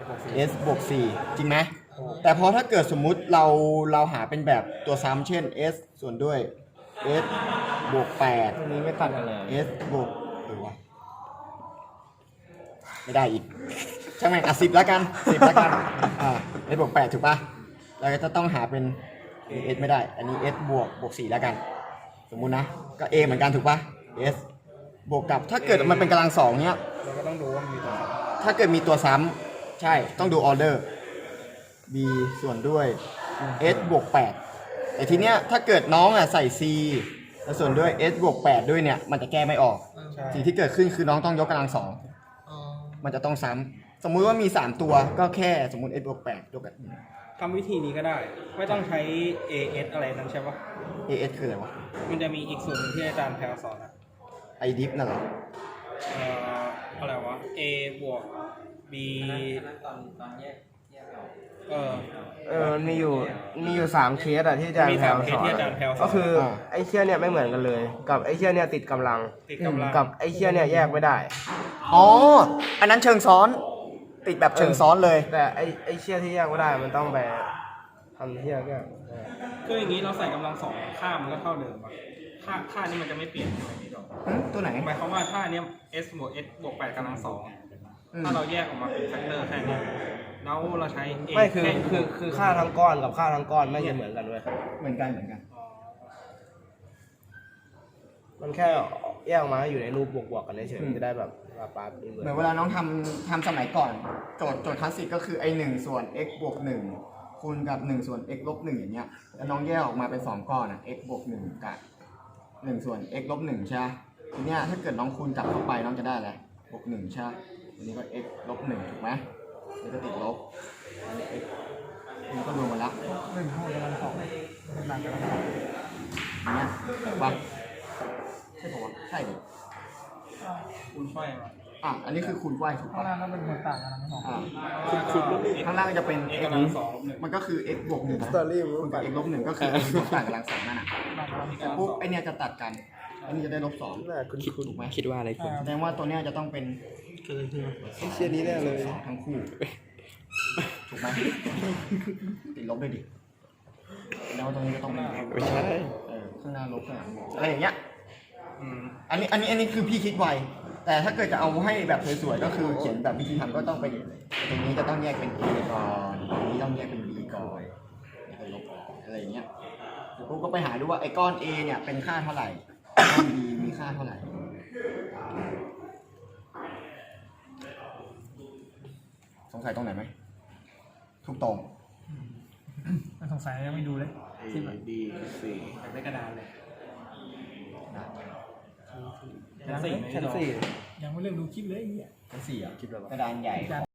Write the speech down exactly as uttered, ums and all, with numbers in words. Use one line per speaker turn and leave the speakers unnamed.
s บวกสี่จริงไหมแต่พอถ้าเกิดสมมุติเราเราหาเป็นแบบตัวซ้ำเช่น s ส่วนด้วย s บวกแปด
ตัวนี้ไม่ตัดกันเลย
s บวกหรือวะไม่ได้อีกช่างแม่งอ่ะสิบแล้วกันสิบแล้วกันอ่า s บวกแปดถูกปะเราจะต้องหาเป็น s ไม่ได้อันนี้ s บวกบวกสี่แล้วกันสมมุตินะก็ a เหมือนกันถูกปะ s บวกกับถ้าเกิดมันเป็นกำลังสองเนี้ย
เราก็ต้องดูว่ามีตัว
ถ้าเกิดมีตัวซ้ำใช่ต้องดูออเดอร์ b ส่วนด้วย s บวกแปดแต่ทีเนี้ยถ้าเกิดน้องอ่ะใส่ c แล้วส่วนด้วย s บวกแปดด้วยเนี่ยมันจะแก้ไม่ออกสิ่งที่เกิดขึ้นคือน้องต้องยกกำลังสองมันจะต้องซ้ำสมมุติว่ามีสามตัวก็แค่สมมุติ s บวกแปดยกกับ
ทำวิธีนี้ก็ได้ ไม่ต้องใช้ เอ เอส อะไรนั้นใช่ปะ
as คืออะไรวะ
มันจะมีอีกส่วนหนึ่งที่อาจารย์แพลวสอนอะ
i diff นั่นเหรอ
เอ่ออะไรวะ a บวก b เออ
เออมันมีอยู่มีอยู่สามเคสอะที่อาจารย์
มี
แพล
สาม
ว
เค
ส
ส
อน
ที่อาจารย์แพลวสอน
ก็คือไอ้เชี่ยเนี่ยไม่เหมือนกันเลย กับไอ้เชี่ยเนี่ยติดกำลัง
ติดกำลัง
กับไอ้เชี่ยเนี่ยแยกไม่ได้
อ๋ออันนั้นเชิงซ้อนติดแบบเชิงซ้อนเลย
แต่ไอ้ไอ้เชี่ยที่แยกไม่ได้มันต้องไปทำเชี่ยก็
คืออย่างนี้เราใส่กำลังสองค่ามันก็เท่าเดิมอะค่าค่านี้มันจะไม่เปลี่ยนใช่ไหมพี่ดอก
หึตัวไหน
หมายความว่าถ้าอันเนี้ย s บวก s บวกแปดกำลังสองถ้าเราแยกออกมาเป็นแฟกเตอร์แค่นี้แล้วเราใช้ a
ไม่คือ
แ
คือคือค่าทั้งก้อนกับค่าทั้งก้อนไม่ใช่เหมือนกันเว้ย
เหมือนกันเหมือนกัน
มันแค่แยกออกมาให้อยู่ในรูปบวกๆกันเฉยๆมันจะได้แบบปาปาเป็นเหมือน
เหมือนเวลาน้องทำทำสมัยก่อน โจทย์โจทย์คลาสสิกก็คือไอหนึ่งส่วน x บวกหนึ่งคูณกับหนึ่งส่วน x ลบหนึ่งอย่างเงี้ยแล้วน้องแยกออกมาเป็นสองก้อนอ่ะ x บวกหนึ่งกับหนึ่งส่วน x ลบหนึ่งใช่ไหมทีเนี้ยถ้าเกิดน้องคูณกลับเข้าไปน้องจะได้อะไรบวกหนึ่งใช่ไหมอันนี้ก็ x ลบหนึ่งถูกไหมนี่ก็ติดลบอันนี้ x นี่ก็รวมกันละ
หนึ่งเท่ากำลังสองกำลังกำลังสอง
อย่างเงี้ยถูกปะใช่ปะวะใช่ดิ
คุณไฟมา
อ่ะอันนี้คือคูณไขว้ถูก
ข้าง
ปะ
ล่างก็เป็นคนต่างกันทั้งสอง
อ่า
คุณคุณลบ x
ข้างล่างจะเป็น
x
x
กำลังสองลบหนึ่ง
มันก็คือ x บวกหนึ่งนะ
สตอรี่
คูณกับ x ลบหนึ่งก็คือ x ลบต่างกำลังสองนั่นน่ะแต่ปุ๊บไอเนี่ยจะตัดกันอันนี้จะได้ลบสอง
น่าคุณคุณ
ถูกไหม
คิดว่าอะไรคุณ
แสดงว่าตัวเนี้ยจะต้องเป็น
ไอ้เชี่ยนี้แน่เลย
สองทั้งคู่ถูกไหมติดลบด้วยดิแล้วาตรงนี้ก็ต้องเป็น
ไม่ใช่
เออข้างหน้าลบข้างหลังบวกอะไรอย่างเงี้ย
อืม
อันนี้อันนี้อันนี้คือพี่คิดไวแต่ถ้าเกิดจะเอาให้แบบสวยๆก็คือเขียนแบบวิธีทำก็ต้องไปตรงนี้จะต้องแยกเป็น a ก่อนตรงนี้ต้องแยกเป็น b ก่อนแล้วก็ลบออกอะไรอย่างเงี้ยเดี๋ยวปุ๊บก็ไปหาดูว่าไอ้ก้อน a เนี่ยเป็นค่าเท่าไหร่ก้อน b มีค่าเท่าไหร่สงสัยตรงไหนไหมทุกตรง
มันสงสัยยังไม่ดูเลย
A B C
อยากได้กระดานเลย
นะ
ชั้นสี่ไหม
ชั้น
พี่ดอก
สี่
ยังไม่เริ่มดูคลิปเลยไอ้เหี้ย
ชั้นสี่อ่ะกระดานใหญ่